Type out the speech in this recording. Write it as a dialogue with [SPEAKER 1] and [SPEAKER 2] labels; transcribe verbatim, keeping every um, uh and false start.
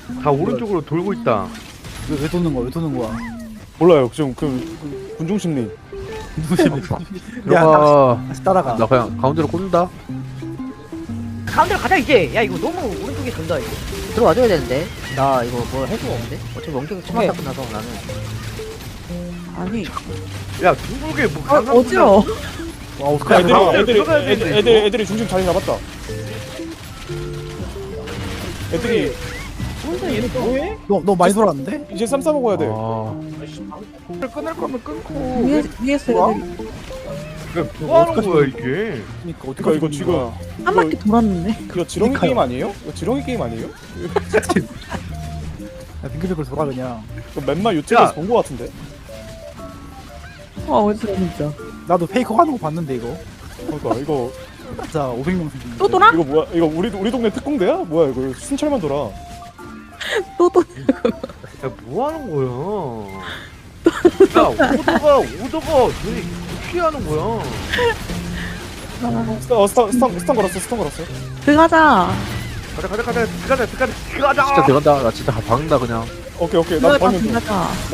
[SPEAKER 1] 다 오른쪽으로 돌고 있다.
[SPEAKER 2] 왜, 왜 도는 거야? 왜 도는 거야?
[SPEAKER 3] 몰라요. 지금 그, 그 군중 심리.
[SPEAKER 2] 야,
[SPEAKER 1] 들어가.
[SPEAKER 2] 다시 따라가.
[SPEAKER 1] 나 그냥 가운데로 꽂는다.
[SPEAKER 4] 가운데로 가자 이제. 야 이거 너무 오른쪽에 돈다 이거. 들어와줘야 되는데. 나 이거 뭐 할 수가 없는데. 어차피 원격 치마다 끝나서 나는.
[SPEAKER 5] 아니
[SPEAKER 1] 야 둥글게 뭐
[SPEAKER 5] 아, 어지러워.
[SPEAKER 2] 와,
[SPEAKER 3] 야,
[SPEAKER 2] 어떡하냐.
[SPEAKER 3] 애들이,
[SPEAKER 1] 가운데로
[SPEAKER 3] 애들이,
[SPEAKER 1] 들어가야
[SPEAKER 3] 애들,
[SPEAKER 1] 되는데,
[SPEAKER 3] 애들,
[SPEAKER 1] 이거?
[SPEAKER 3] 애들이 중심 자리 잡았다. 애들이
[SPEAKER 2] 너, 너 많이 돌았는데?
[SPEAKER 3] 이제 쌈 싸 먹어야 돼.
[SPEAKER 1] 아. 끊을 거면 끊고.
[SPEAKER 5] 위에 위에서
[SPEAKER 2] 뭐야?
[SPEAKER 5] 애들이
[SPEAKER 1] 야, 뭐 하는 거야 이게?
[SPEAKER 2] 그니까,
[SPEAKER 3] 그러니까
[SPEAKER 2] 어떡하지?
[SPEAKER 3] 이거 지금
[SPEAKER 5] 한 바퀴 돌았는데.
[SPEAKER 3] 이거 지렁이
[SPEAKER 2] 그러니까요.
[SPEAKER 3] 게임 아니에요? 이거 지렁이 게임 아니에요?
[SPEAKER 2] 야, 빙글빙글 돌아, 그냥.
[SPEAKER 3] 이거 맨날 유튜브에서
[SPEAKER 1] 야.
[SPEAKER 3] 본 거 같은데.
[SPEAKER 5] 아 어지러워 진짜.
[SPEAKER 2] 나도 페이커 하는 거 봤는데, 이거.
[SPEAKER 3] 그러니까 이거
[SPEAKER 2] 진짜 오백 명 수준.
[SPEAKER 5] 또 돌아?
[SPEAKER 3] 이거 뭐야? 이거 우리 우리 동네 특공대야? 뭐야 이거 순찰만 돌아.
[SPEAKER 5] 또 또.
[SPEAKER 1] 야 뭐 하는 거야? 야 오더가 오더가 왜 어떻게 하는 거야?
[SPEAKER 3] 스타 어, 스타 스타 스타 걸었어 스타 걸었어.
[SPEAKER 5] 들어가자.
[SPEAKER 1] 가자 가자 가자 가자 가자 가자. 진짜 들어간다. 나 진짜 박는다 그냥.
[SPEAKER 3] 오케이 오케이 나
[SPEAKER 5] 들어가자
[SPEAKER 3] 방금 좀.
[SPEAKER 5] 들어가자.